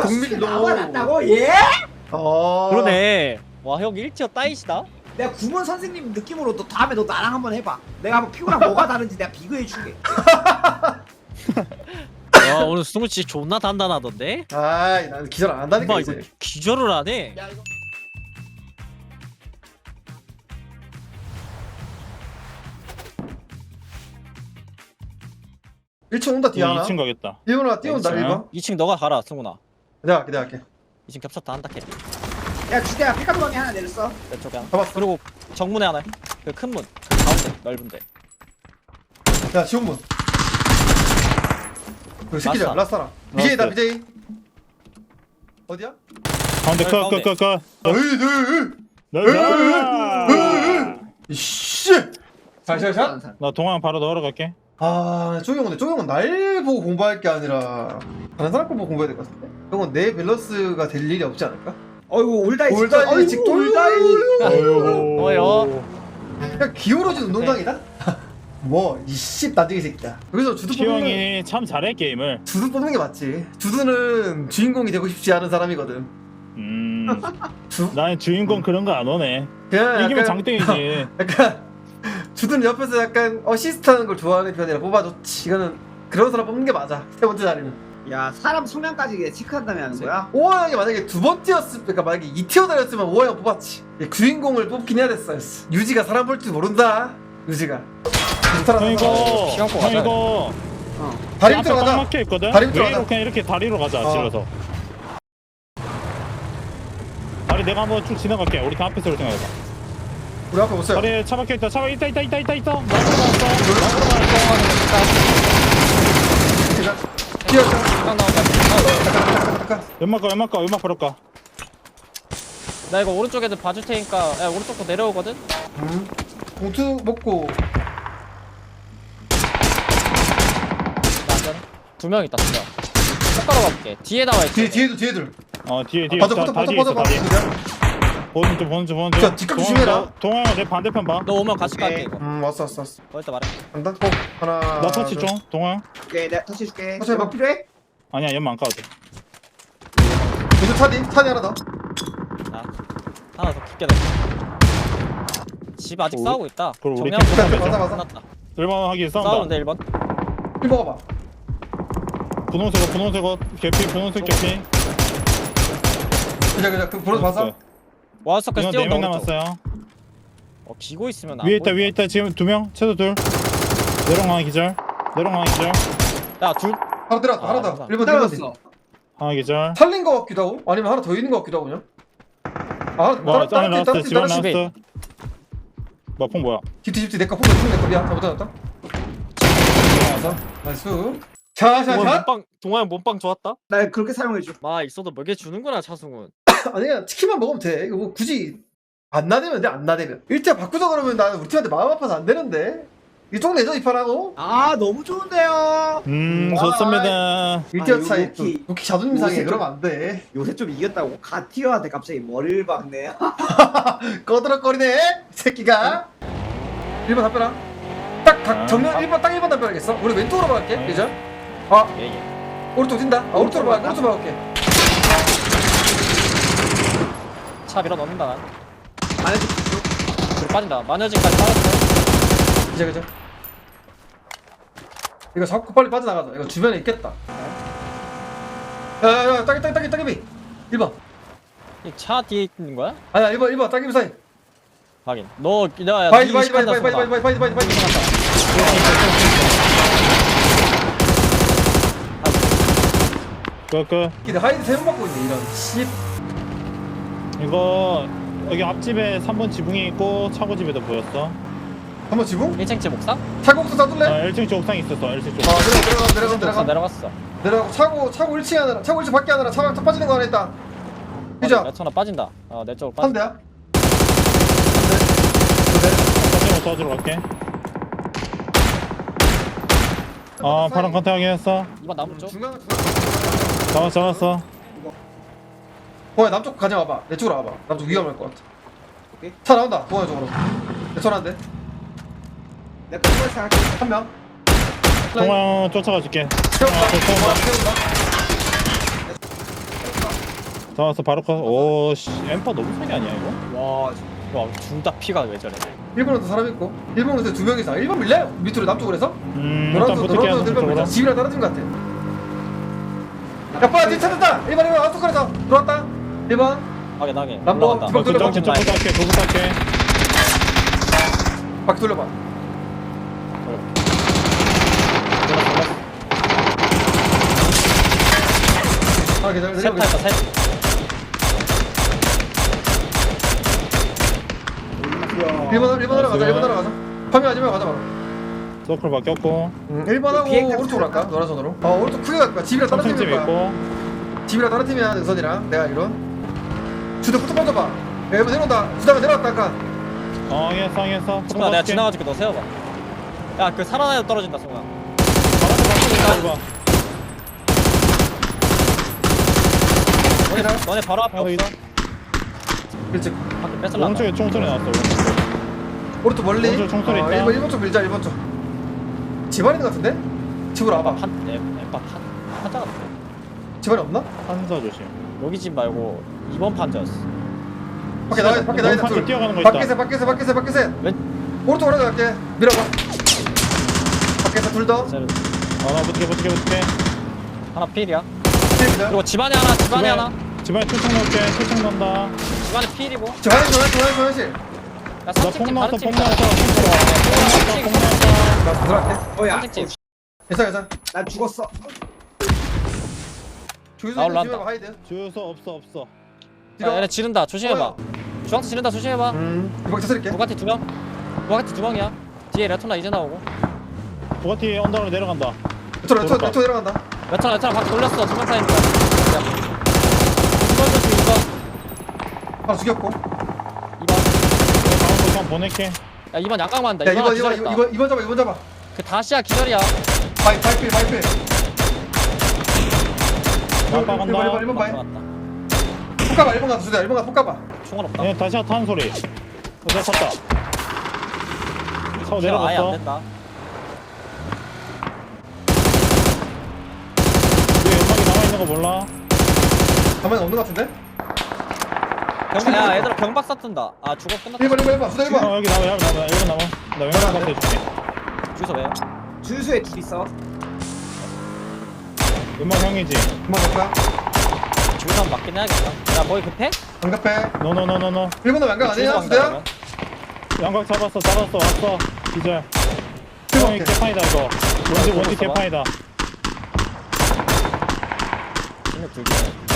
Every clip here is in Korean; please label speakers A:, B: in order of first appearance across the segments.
A: 정밀로.
B: 나와 났다고? 예?
C: 그러네. 와, 형 1티어 따이시다.
B: 내가 구몬 선생님 느낌으로 너 다음에 너 나랑 한번 해봐. 내가 한번 피구랑 뭐가 다른지 내가 비교해 줄게.
C: 와, 오늘 승우 씨 존나 단단하던데.
A: 아이 난 기절 안 한다니까
C: 엄마 이거
A: 이제.
C: 기절을 하네.
B: 야 이거.
A: 일층 온다 뒤에 하나.
D: 2층 가겠다.
A: 1번아 뛰어온다
D: 있어요?
A: 1번.
C: 2층 너가 가라, 승우나.
A: 내가 할게.
C: 2층 겹쳤다 한다 캐.
B: 야 주대야 피카도방에 하나 내렸어.
C: 내 쪽에 하나.
A: 잡았어.
C: 그리고 정문에 하나. 그 큰 문. 그 가운데 넓은데.
A: 야 지원문. 그 새끼들
C: 라스타.
A: 라스타라. BJ다
D: 라스타.
A: BJ. 어디야?
D: 가운데
C: 가운데.
D: 컷.
A: 이씨. 잘.
D: 나 동안 바로 넣으러 갈게.
A: 아 쪼경은 날 보고 공부할 게 아니라 다른 사람 거 보고 공부해야 될 것 같은데. 형은 내 밸런스가 될 일이 없지 않을까?
B: 어이구 올다이
A: 올다이 직도
C: 뭐요?
A: 그냥 기울어진 운동장이다? 뭐 이씨 나중에 새끼야. 여기서 주두 뽑는
D: 시영이 참 잘해 게임을.
A: 주두 뽑는 게 맞지. 주두는 주인공이 되고 싶지 않은 사람이거든.
D: 나는 주인공 그런 거 안 오네.
A: 그냥
D: 이기면
A: 약간-
D: 장땡이지.
A: 약간 주둔 옆에서 약간 어시스트하는 걸 좋아하는 편이라 뽑아줬지. 이거는 그런 사람 뽑는 게 맞아. 세 번째 자리는.
B: 야 사람 성향까지 체크한 다음에 하는 거야?
A: 오하 형이 만약에 두 번째였으면, 그러니까 만약에 2티어 달렸으면 오하 형 뽑았지. 주인공을 뽑긴 해야 됐어. 유지가 사람 볼 줄 모른다. 유지가.
D: 형 이거
C: 시간 거
D: 형
C: 가자.
D: 이거
A: 다리
D: 앞에
A: 밑으로
D: 딱
A: 가자.
D: 막혀 있거든.
A: 다리 밑으로
D: 왜
A: 가자.
D: 이렇게 이렇게 다리로 가자.
A: 어.
D: 질러서. 다리 내가 한번 쭉 지나갈게. 우리 다 앞에서 생각해봐.
A: 우리 앞에 오세요.
D: 다리에 차 박혀 있다. 차 있다. 나무로 나왔어.
A: 뛰었다.
C: 딱 나온다.
A: 잠깐.
D: 연막 버렸까.
C: 나 이거 오른쪽 애들 봐줄 테니까. 야, 오른쪽도 내려오거든.
A: 봉투 먹고.
C: 나 안전해. 2명 있다, 2명. 손가락 가볼게. 뒤에 나와 있어.
A: 뒤에들.
D: 뒤에
A: 맞아,
D: 다리
A: 맞아.
D: 있어. 다리. 보는 중.
A: 자, 뒷각 조심해라.
D: 동아야 내 반대편 봐.
C: 너 오면 같이 갈게,
B: 네.
C: 이거.
A: 왔어.
C: 거기다 말해.
A: 간다. 하나.
D: 나 터치
A: 둘.
D: 좀. 동아.
B: 오케이 내가 터치해줄게.
A: 터치 해봐.
B: 뭐 필요해?
D: 아니야 연막 안 까도 돼.
A: 계속 차디 하나 더.
C: 자, 하나 더 깊게 넣어. 집 아직
D: 우리-
C: 싸우고 있다.
D: 그럼 우리
C: 정리하고
D: 캠프
C: 끝났다.
A: 맞아.
C: 끝났다.
D: 1번 하기 싸운다.
C: 싸우는데 1번.
A: 힐 먹어봐.
D: 분홍색 옷 개피 분홍색 개피.
A: 그냥 그 보러 봐서.
C: 와우서까지
D: 이건 4명
C: 뛰어온다. 오른쪽.
D: 남았어요.
C: 기고 있으면 안
D: 위에 있다
C: 보인다.
D: 지금 2명 최소 2. 내려가는 기절.
C: 야, 둘.
A: 하나 들어왔다. 하나 더.
C: 맞아.
A: 1번
B: 떨어졌어.
D: 하나 기절.
A: 살린 거 같기도 하고 아니면 하나 더 있는 거 같기도 하고 그냥.
D: 뭐 안에 나왔어. 집안
C: 집에.
D: 나왔어. 뭐폭 뭐야?
A: 집티 내거 포도 주면 내거 미안. 잘못해놨다. 나이스. 자.
C: 동아형 몸빵 좋았다.
B: 나 그렇게 사용해줘.
C: 마 있어도 먹여 주는구나, 차승훈.
A: 아니야 치킨만 먹으면 돼. 이거 뭐 굳이 안 나대면 돼. 안 나대면. 일자 바꾸자 그러면 나는 우리 팀한테 마음 아파서 안 되는데. 이쪽 내줘 이 판하고.
B: 아 너무 좋은데요.
D: 좋습니다.
A: 1티어 차이.
B: 요키.
A: 요키 자존심 상해.
B: 요새
A: 그러면 안 돼.
B: 요새 좀 이겼다고 가티어한테 갑자기 머리를 박네.
A: 꺼드럭거리네. 이 새끼가. 1번 답변아. 딱
D: 아.
A: 정면 1번 딱 1번 답변하겠어. 우리 왼쪽으로 갈게.
D: 아.
A: 그죠? 아
C: 예.
A: 오른쪽 뛴다. 오른쪽으로 가. 오른쪽 가볼게.
C: 차 밀어 넣는다, 난.
B: 안해줘.
C: 둘 빠진다. 마녀진까지 빠졌어.
A: 그죠. 이거 잡고 빨리 빠져나가자. 이거 주변에 있겠다. 야야야 따기비 1번.
C: 이 차 뒤에 있는 거야?
A: 아니야 1번 따기비 사이.
C: 확인. 너, 야,
A: 바이디
C: 니 시간다 쏜다.
D: 그
A: 근데 하이드 3번 받고 있네 이런 씨.
D: 이거 여기 앞집에 3번 지붕이 있고 차고 집에도 보였어.
A: 한번 지붕?
C: 1층집 옥상?
A: 차고부터 쏴둘래?
D: 1층 쪽 옥상 있었어. 1층 쪽.
A: 내려가.
C: 내려갔어.
A: 내려가고 차고 1층에 하나, 차고 1층 밖에 하나, 차 빠지는 거 하나 있다. 그죠?
C: 내 천하 빠진다. 내 쪽으로
A: 한
C: 빠진다.
A: 대야?
D: 컨테이너 도와주러 갈게. 파란 컨테이너 확인했어.
C: 이번 나무 쪽?
A: 중간.
D: 잡았어.
A: 동아 남쪽 가져와봐. 내 쪽으로 와봐. 남쪽 위험할 것 같아.
B: 오케이.
A: 차 나온다. 동아 쪽으로. 내 전화인데.
B: 내가 그걸 생각해.
A: 한 명.
D: 동아 쫓아가 줄게.
A: 세운다.
D: 세운다.
A: 세운다.
D: 잡았어 바로 컷. 오씨 엠퍼 너무 세게 아니야 이거?
C: 와둘 다 피가 왜 저래?
A: 일본에도 사람 있고 일본에도 2명 이상. 일본 밀려요 밑으로 남쪽으로 해서.
D: 일단 붙을게요
A: 노란색 들면
D: 저쪽으로.
A: 집이랑 떨어진 것 같아. 야 빨리 뒤 찾았다. 1번 아웃소클에서 들어왔다. 1번
C: 나게 나게.
A: 남도
C: 올라간다.
A: 뒷방 돌려봐.
D: 도구 탈게 도구 탈게.
A: 바퀴 돌려봐. 아 기다려.
C: 셋 타있다 셋.
A: 1번으로 가자. 1번으로 가자. 파밍 하지 말고 가자 바로.
D: 서클 바뀌었고
A: 1번하고
B: 비행
A: 오른쪽으로 갈까? 노란선으로. 오른쪽 크게 갈 거야. 집이랑 다른
D: 삼층집
A: 팀일 거야.
D: 있고
A: 집이랑 다른 팀이야. 능선이랑 내가 이런. 주도 붙어 뻗어봐. 야 1번 내려온다. 주다가 내려왔다 아까.
D: 상했어 상했어.
C: 승아 내가 지나가줄게 너 세워봐. 야 그 살아나야 떨어진다 승아. 너네 바로 앞에
D: 여기
C: 없어.
A: 그렇지.
C: 밖에 뺏을라.
D: 오른쪽에 총소리 나왔어.
A: 오른쪽 멀리.
D: 오른쪽 총소리 있다.
A: 1번 쪽 밀자. 1번 쪽. 집안에 있는 것 같은데? 집으로 와봐.
C: 엠파 판자 같아.
A: 집안에 없나?
D: 판사 조심.
C: 여기 집 말고 2번 판자였어.
A: 밖에 나가. 밖에 나가.
D: 판자
A: 둘.
D: 뛰어가는 거 있다.
A: 밖에서.
C: 왼
A: 오른쪽으로 갈게. 밀어봐. 밖에서 둘 더.
D: 나 붙게.
C: 하나 필이야.
A: 집이다.
C: 그리고 집안에 하나 집안에 하나.
D: 집안에 투창 넣을게. 투창 넣는다.
C: 집안에 필이고.
A: 저 화장실.
C: 야
D: 나
C: 3층
D: 폭
C: 집
D: 나왔어.
C: 다른 집
D: 폭
C: 있다.
D: 나왔어. 폭 나왔어.
A: 나 들어갈게.
B: 어야
C: 3층 집.
A: 괜찮아.
B: 난 죽었어.
A: 주유소
C: 나
A: 있는
C: 올라간다.
A: 집에 하이드.
D: 주유소 없어.
C: 야 얘네 지른다 조심해봐. 주황색 지른다 조심해봐.
A: 이거 찾을게.
C: 부가티 2명. 부가티 2명이야. 뒤에 레토나 이제 나오고.
D: 부가티 언덕으로 내려간다.
A: 레토 내려간다.
C: 레토나 박 돌렸어. 2명 사이니까. 야. 2번 조심 2번.
A: 하나 죽였고.
C: 2번.
D: 다음 도장 보낼게.
C: 야 2번 양각 맞는다.
A: 야
C: 2번 기절했다.
A: 2번 잡아.
C: 그 다시야 기절이야.
A: 바이필.
D: 양파 간다.
A: 1번 바이.
C: 맞다.
A: 폭가봐 1번 가서 주자. 1번 가서 폭가봐.
C: 총알 없다.
D: 얘 다시 타는 소리. 내가 탔다. 차고
C: 아예 안
D: 내려갔어.
C: 된다.
D: 얘 연막이 남아있는 거 몰라?
A: 가만히 없는 것 같은데?
C: 야 얘들아 경박사 뜬다. 아 죽어 끝났다.
A: 1번 주자 1번.
D: 여기 남아. 여기 남아. 나 연막 가서 해줄게.
C: 주소 왜요?
B: 주유소에 둘 있어.
D: 연막 형이지.
A: 그만 갈까?
C: 주소 한번 맞긴 해야겠다. 야 거기 급해?
A: 반갑해.
D: 노노노노노.
A: 1번도 양각
C: 주소
A: 아니야?
C: 간다,
A: 주대야?
C: 그러면.
D: 양각 잡았어. 왔어. 기절. 형이
A: 오케이.
D: 개판이다 이거. 원지
C: 써봐.
D: 개판이다.
C: 진력 들기.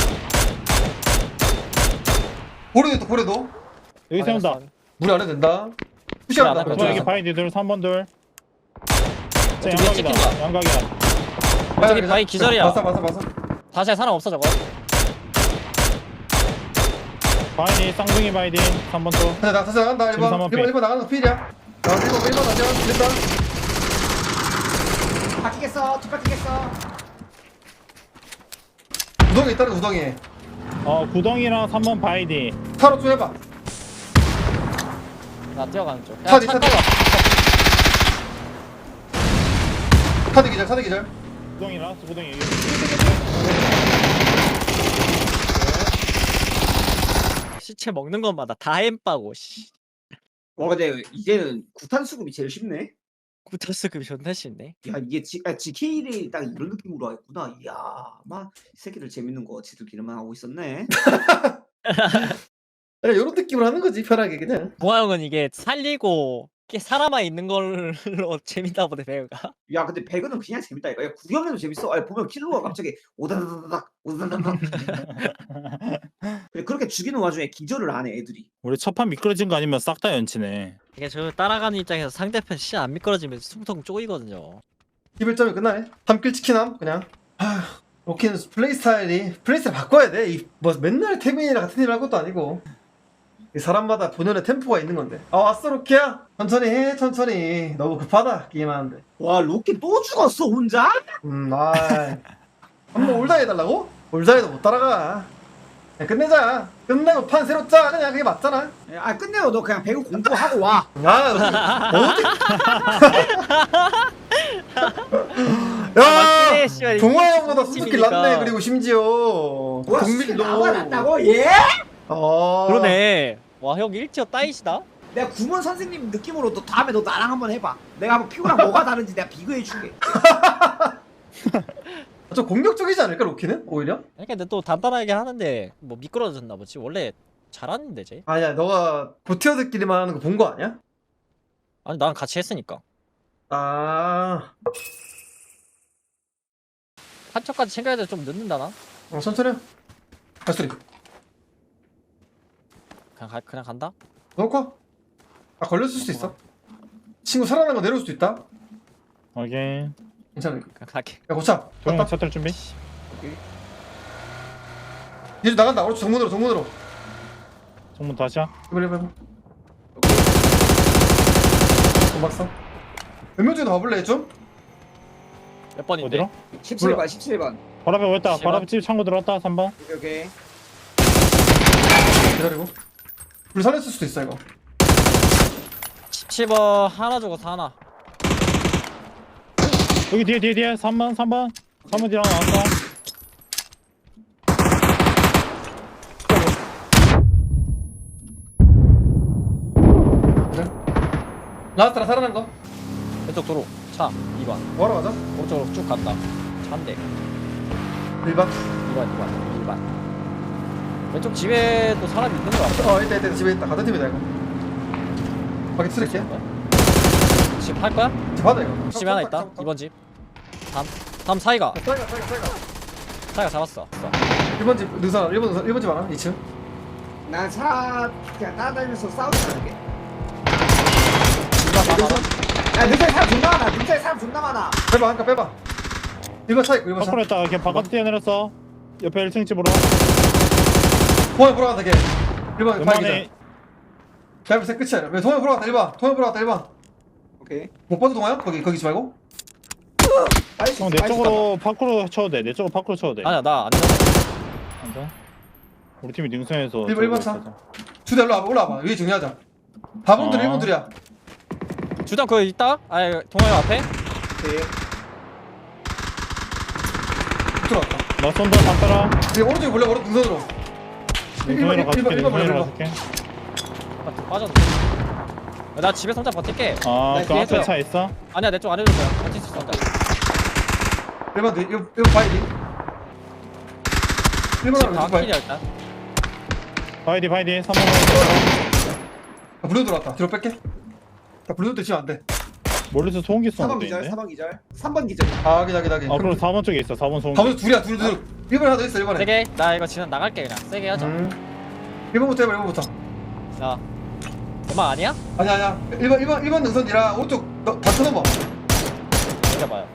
A: 고래도.
D: 여기 세운다.
A: 물이 안 해도 된다.
C: 야,
A: 푸시한다.
C: 나
D: 또 여기 바이디들 3번 둘. 쟤
C: 저기
D: 양각이다.
C: 찍힌다.
D: 양각이야.
C: 저기 바위 기절이야.
A: 봤어.
C: 다시야 사람 없어 저거.
D: 바이디 쌍둥이 바이디 3번 또.
A: 근데 나 다시 나간다.
D: 지금
A: 1번.
D: 삼번 피.
A: 1번 나가는 거 필이야. 나 1번 아니야. 됐다.
B: 바뀌겠어. 뒷바뀌겠어.
A: 우동이 있다는 우동이.
D: 구덩이랑 3번 바이디.
A: 타로 좀 해봐.
C: 나 뛰어가는 쪽.
A: 차디,
C: 차
A: 차디.
C: 따라.
A: 차드 기절.
D: 구덩이 라스트 구덩이 여기.
C: 시체 먹는 것마다 다 엠빠고 씨.
B: 와 근데 이제는 구탄 수급이 제일 쉽네.
C: 구타스급이 존나 싫네.
B: 야 이게 GK를 딱 이런 느낌으로 하겠구나. 이야, 막 이 새끼들 재밌는 거 지들끼리만 하고 있었네.
A: 그냥 이런 느낌으로 하는 거지 편하게 그냥.
C: 봉화 형은 이게 살리고 사람만 있는 걸로 재밌다 보네 배우가.
B: 야 근데 배그는 그냥 재밌다 이거. 야 구경해도 재밌어. 아니 보면 킬러가 갑자기 오다다다닥. 근데 그렇게 죽이는 와중에 기절을 안 해 애들이.
D: 우리 첫판 미끄러진 거 아니면 싹 다 연치네.
C: 이게 저 따라가는 입장에서 상대편 시 안 미끄러지면 숨통 쪼이거든요.
A: 11점이 끝나네. 3킬 치킨함 그냥. 로키는 플레이 스타일 바꿔야 돼. 뭐 맨날 태민이랑 같은 일을 할 것도 아니고. 이 사람마다 본연의 템포가 있는 건데. 왔어 로키야. 천천히 해. 너무 급하다 게임하는데.
B: 와 로키 또 죽었어 혼자?
A: 한번 올다 해달라고? 올다 해도 못 따라가. 그냥 끝내자. 끝내고 판 새로 짜. 그냥 그게 맞잖아.
B: 아 끝내요. 너 그냥 배그 공부하고 와.
A: 어디?
C: 맞지? 씨발,
A: 동화
C: 이게
A: 형보다
C: 무슨
A: 수수께
C: 팀이니까.
A: 낫네. 그리고 심지어
B: 와,
A: 동밀도
B: 나만 났다고? 예?
C: 그러네. 와, 형 1티어 따이시다?
B: 내가 구몬 선생님 느낌으로 너 다음에 너 나랑 한번 해봐. 내가 한번 피부랑 뭐가 다른지 내가 비교해줄게.
A: 좀 공격적이지 않을까 로키는 오히려?
C: 근데 또 단단하게 하는데 뭐 미끄러졌나 보지. 원래 잘하는데 쟤.
A: 아니야 너가 고티어들끼리만 하는 거 본 거 아니야?
C: 아니 나랑 같이 했으니까.
A: 아
C: 한 척까지 챙겨야 돼. 좀 늦는다나?
A: 천천히 해. 발소리
C: 그냥 간다?
A: 넣고 아 걸렸을 수도 있어 친구 살아난 거 내려올 수도 있다
D: 오케이.
A: 괜찮아
C: 그냥 갈게.
A: 야 고차
D: 조용히
A: 갔다
D: 차탈 준비.
A: 얘도 나간다 오른쪽 정문으로
D: 정문 다시야.
A: 이번 막상 몇 명 중에 봐볼래 좀?
C: 몇 번인데?
D: 어디로?
B: 17번 17번.
D: 바로 앞에 왔다.
C: 씨발.
D: 바로 앞에 집 창고 들어왔다. 3번.
B: 오케이.
A: 기다리고 불 살렸을 수도 있어 이거
C: 17번 하나 죽어서 하나.
D: 여기 뒤에 3번. 3번 뒤랑 나왔다.
A: 그래 라스트라 살아난 거
C: 왼쪽 도로. 차 2번.
A: 뭐하러 가자
C: 오른쪽으로 쭉 간다. 차인데.
A: 1번
C: 2번. 왼쪽 집에 또 사람이 있는 거 같아.
A: 있다 집에 있다 같은 팀이다 이거 밖에 트랙해
C: 집 할 거야?
A: 집 하다 이거
C: 집에 하나 있다. 2번 집. 다음 사이가. 사이가 잡았어.
A: 1번 집 능선 1번 집 하나 2층
B: 난 차 그냥 따라다니면서 싸우지 않을게. 야 능차에 사람 존나 많아. 능차에 사람 존나 많아.
A: 빼봐 한칸 빼봐 1번 차 있고 1번 차
D: 밖으로 했다. 걔 바깥에 뛰어내렸어. 옆에 1층 집으로.
A: 동호회 보러 간다 걔 1번 파이기자
D: 웬만해.
A: 잘못해 끝이야 왜 동호회 보러 갔다 1번 동호회 보러 갔다 1번
B: 오케이.
A: 못 봐도 동호야? 거기 지 말고
B: 빨리
D: 형, 내 쪽으로 밖으로 쳐도 돼. 내 쪽으로 밖으로 쳐도 돼.
C: 아니야 나 안전.
D: 앉아. 우리 팀이 능선에서.
A: 일번 차. 주대 일로 와봐 올라와봐 위에 정리하자 4번들 1번들이야
C: 주장 그거 있다? 아니 동호회 앞에?
B: 오케이.
A: 들어왔다
D: 나 쏜다. 담벼라.
A: 이제 오른쪽에 몰래 오른 능선으로
D: 능선이로 가줄게.
A: 일번
D: 능선이로
A: 몰래
D: 가줄게.
C: 아, 좀 빠졌네. 나 집에 혼자 버틸게.
D: 아,
B: 나
D: 그 앞에
C: 뒤에서.
D: 차 있어?
C: 아니야 내 쪽 안 해줄 거야. 버틸 수 있어 혼자.
A: 1번 이거 바이디 1번
C: 지금
A: 하면
C: 다
A: 누구 바이
C: 킬이야 일단.
D: 바이디 3번.
A: 블루 들어왔다 뒤로 뺄게 나 블루 때 지면 안돼
D: 멀리서 소음기
B: 4번
D: 쏘는 데
B: 기절.
D: 있는데?
B: 4번 기절. 3번 기절.
A: 아 기다
D: 아, 그럼 4번 쪽에 있어. 4번 소음기.
A: 가면서 둘이야 둘 1번 하나 더 있어 1번에
C: 세게. 나 이거 지금 나갈게 그냥. 세게 하자.
A: 1번부터 해봐 1번부터
C: 야. 엄마 아니야?
A: 아니야 1번 능선이라 오른쪽 다 쳐넘어
C: 이겨봐요.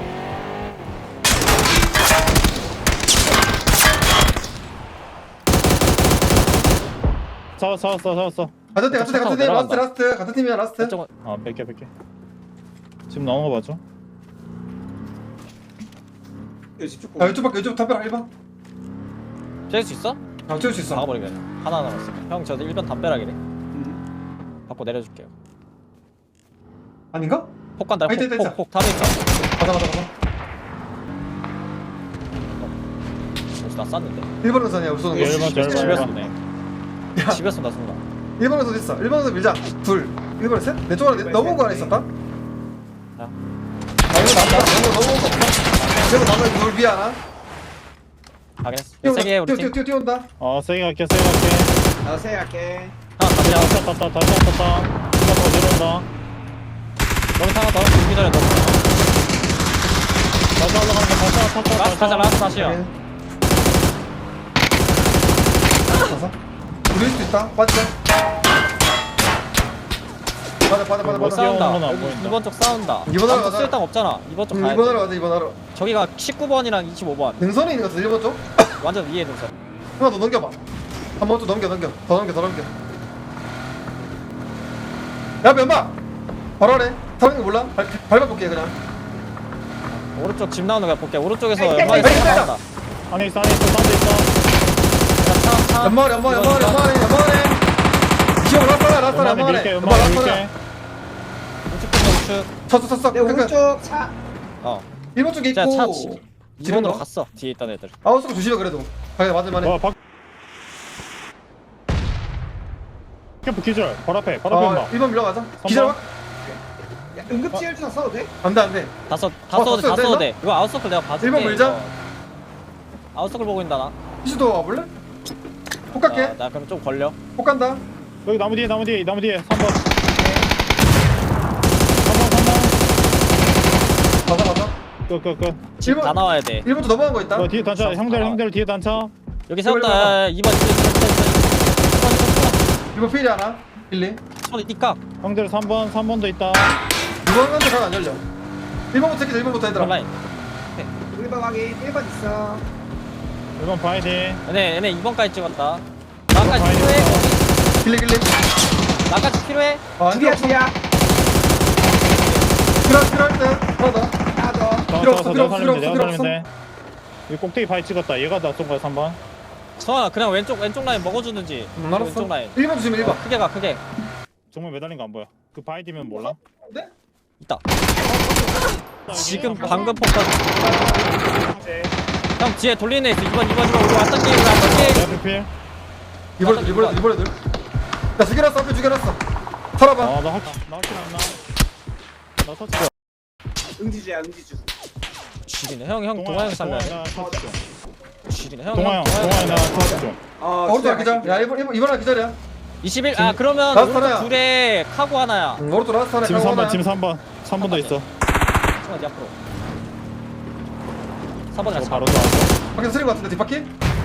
D: 잡았어.
A: 같은 팀
C: 내려간다.
A: 라스트 같은 팀이야 라스트
C: 왼쪽은
D: 아, 뺄게. 지금 나온 거 봐줘.
B: 집중.
A: 야 왼쪽 밖에 왼쪽 담벼락 1번
C: 쬐을 수 있어?
A: 채울 수 있어
C: 나가버리게. 하나 남았어. 형 저도 1번 담벼락이래. 받고 내려줄게요.
A: 아닌가?
C: 폭 간다.
A: 아, 있다, 있다.
C: 폭 탑에 있어.
A: 가자
C: 벌써 나 쐈는데.
A: 1번 능선이야 우리 쏘는 거
D: 예, 일번 절.
C: 집에
D: 일번.
C: 쏘네.
A: 야.
C: 집에 쏜다 쏜다.
A: 1번 능선 있어 1번 능선 밀자 둘 1번에 셋? 내 쪽 하나 넘어온 거 하나 있었다?
C: 야.
A: 이거 남다 넘어온 거 없다 이거 남다 둘 위에 하나
C: 확인했어. 세게 해 우리 팀.
A: 뛰어온다
D: 세게 갈게.
B: 나 세할게.
C: 하나
D: 다시
C: 담벼락.
D: 탔다. 이거 더 내려온다.
C: 너무 타가 더 죽기 전에 너무.
D: 다시 올라가는 거 탔다.
C: 라스트 하자 라스트 다시요.
A: 가서 우릴 수도 있다 빠지자 빠져
C: 뭐 싸운다.
D: 건 안 보인다.
C: 2번 쪽 싸운다.
A: 이번 하러 가자.
C: 쓸 땅 없잖아. 2번 쪽 가야
A: 2번
C: 돼.
A: 하러 가자 2번 하러
C: 저기가 19번이랑 25번.
A: 능선이 있는 거 같아 1번 쪽?
C: 완전 위에 능선.
A: 하나 더 넘겨봐 한 번 더 넘겨 더 넘겨 야 면박 바로 하래 타는 거 몰라? 밟아볼게 그냥
C: 오른쪽 집 나오는 거 볼게. 오른쪽에서
B: 에이,
C: 연막이
A: 에이, 에이,
C: 나온다.
D: 안에 있어. 사운드 있어.
C: 차.
A: 연마하네 라스타라
D: 연막에 밀게.
A: 연마하네
C: 우측.
A: 쳤어
B: 내 오른쪽 차.
C: 어.
A: 1번 쪽에
C: 자,
A: 있고
C: 차
A: 지금
C: 2번으로
A: 너
C: 갔어. 뒤에 있던 애들.
A: 아웃스코 조심해 그래도 가게 맞을만해.
D: 와 박. 캠프 기절. 바로 앞에. 바로 앞에 봐.
A: 1번 밀러가자. 기절 막.
B: 야, 응급지열 주나 써도 돼?
A: 안돼 안돼.
C: 다 써도 돼. 다
A: 썼어요,
C: 써도 돼. 이거 아웃서클 내가 봐줄게.
A: 1번 물자.
C: 이거. 아웃서클 보고 있다 나.
A: 피시도 와볼래? 폭 갈게.
C: 아, 나 그럼 좀 걸려.
A: 폭 간다.
D: 여기 나무 뒤에 3번.
A: 맞아 맞아.
D: 끝.
C: 집 다
A: 1번
C: 나와야 돼.
A: 1번 또 넘어간 거 있다.
D: 뒤에 단차. 형들 뒤에 단차.
C: 여기
A: 이거
C: 세웠다. 2번
A: 1번 필이 하나. 1, 2.
C: 손이 띠깍.
D: 형들 3번도 있다.
A: 2번 간데 잘안 열려. 1번부터 해기자 1번부터 얘들아.
C: 온라인.
B: 1번 확인 1번 있어
D: 1번 봐야 돼.
C: 얘네 2번까지 찍었다. 나까지 필요해? 거기?
A: 길리.
C: 나까지 필요해?
B: 둘이야 둘이야
A: 필요할 때 하나 더.
B: 하나 더
A: 필요 없어, 필요
D: 내가
A: 없어,
D: 살리면 돼.
A: 필요
D: 내가
A: 없어.
D: 살리면 돼. 이 꼭대기 바위 찍었다. 얘가 나 쏜 거야 3번.
C: 성아 그냥 왼쪽 라인 먹어주는지.
A: 알았어.
C: 왼쪽 라인.
A: 1번 조심해 1번.
C: 크게 가 크게.
D: 정말 매달린 거 안 보여. 그 바위 뒤면 몰라.
C: 있다. 지금 방금 폭탄. 형 뒤에 돌리는 애 있어. 2번 우리 왔던 게임 우리 왔던 게임.
D: 내 앞에 필.
A: 이번 애들. 나 죽여놨어 앞에 죽여놨어. 살아봐.
D: 나 확실 안 나. 나 터치.
B: 응지주야 응지주
C: 지리네. 형 동아 형 살려야 돼.
D: 나 터치 좀.
C: 지리네. 형
D: 동아 형 나 터치 좀.
A: 오른쪽 기절. 야 1번 하나 기절이야.
C: 21. 아 그러면
A: 라스트
C: 오른쪽
A: 하나야.
C: 둘에 카고 하나야.
A: 오른쪽 라스트 하나.
D: 지금
A: 가고
D: 3번
A: 하나야.
D: 지금 3번 더 있어.
C: 성아 니 앞으로. 4번
D: 저
C: 같이
D: 바로
C: 바로.
D: 또
A: 밖에서 쓰린 거 같은데 뒷바퀴?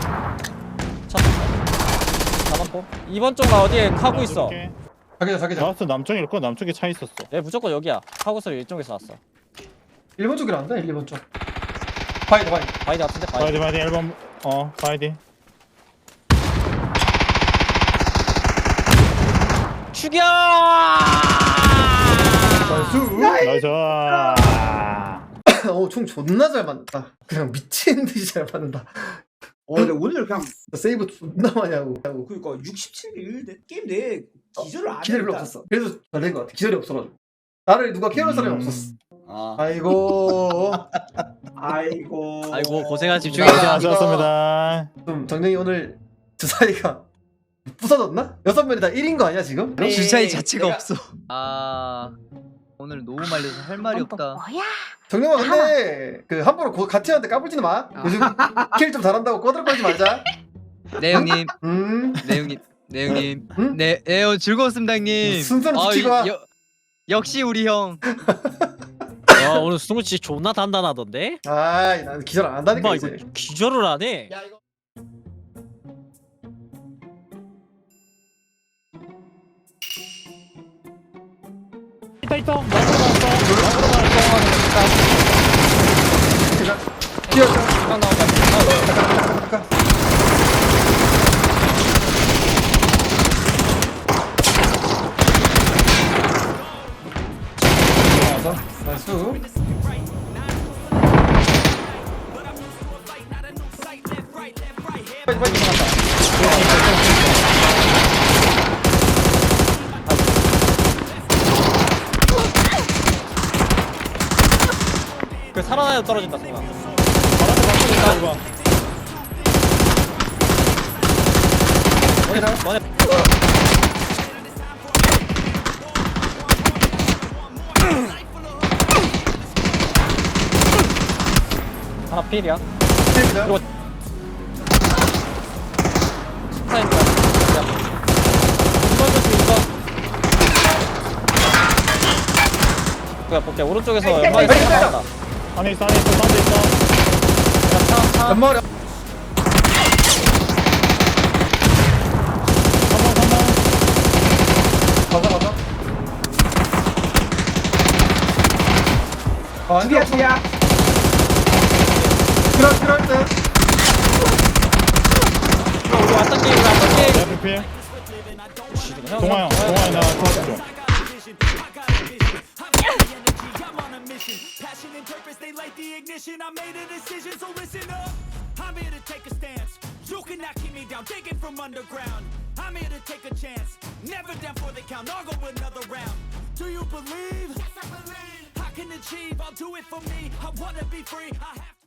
C: 잡았고. 2번 쪽가 어디에 카고 있어.
A: 자기자.
D: 나왔어 남쪽일 거. 남쪽에 차 있었어.
C: 내 무조건 여기야. 카고 소리 이쪽에서 왔어.
A: 1번 쪽이란다 1번 쪽. 바이드.
C: 바이드 같은데
D: 바이디
C: 바이드.
D: 1번 바이디.
C: 죽여!
A: 나이스.
D: 나이스.
A: 총 존나 잘 맞는다. 그냥 미친 듯이 잘 맞는다.
B: 근데 오늘 그냥
A: 세이브 존나 많이 하고.
B: 그니까 67대 1 게임 내 기절을 안
A: 기절이 별로
B: 했다.
A: 없었어. 그래서 잘된 것 같아. 기절이 없어가지고. 나를 누가 키워줄 사람이 없었어. 아이고.
B: 아이고
C: 고생하십시오.
D: 고생하셨습니다.
A: 좀 정령이 오늘 주사위가 부서졌나? 6명이 다 1인 거 아니야 지금?
B: 네.
E: 주사위 자체가
B: 내가-
E: 없어. 아 오늘 너무 말려서 할 말이 없다.
A: 정령아 근데 그 함부로 같이 하는데 까불지는 마. 요즘 킬 좀 잘한다고 꼬들거리지 말자.
E: 네 형님,
A: 음.
E: 네 형님, 네 형님,
A: 응?
E: 네, 즐거웠습니다 형님.
A: 순서를 지키고 와.
E: 역시 우리 형.
C: 와 오늘 승우 씨 존나 단단하던데?
A: 아이 난 기절 안 한다니까
C: 엄마
A: 이제.
C: 이거 기절을 안 해.
D: 있다.
A: 뛰었어.
C: 형 나온다.
A: 나이스.
C: 그 살아나야 떨어진다 승우야. 너네 하나 필이야. 그리고 스타입니다. 야. 2번 조심 2번. 그야 볼게 오른쪽에서 연막이 나온다.
D: 안에 있어. 사운드 있어.
C: 차.
A: 연마리.
D: 3번.
A: 맞아. 안 돼.
B: 둘이야
A: 필요할 때.
C: 우리 왔던 게임 우리 왔던
D: 내
C: 게임.
D: 앞에 필.
C: 형,
D: 동아 형 나 터치 좀.
F: Passion and purpose, they light the ignition. I made a decision, so listen up. I'm here to take a stance. You cannot keep me down, digging from underground. I'm here to take a chance. Never down for the count, I'll go another round. Do you believe? Yes, I believe. I can achieve, I'll do it for me. I wanna be free. I have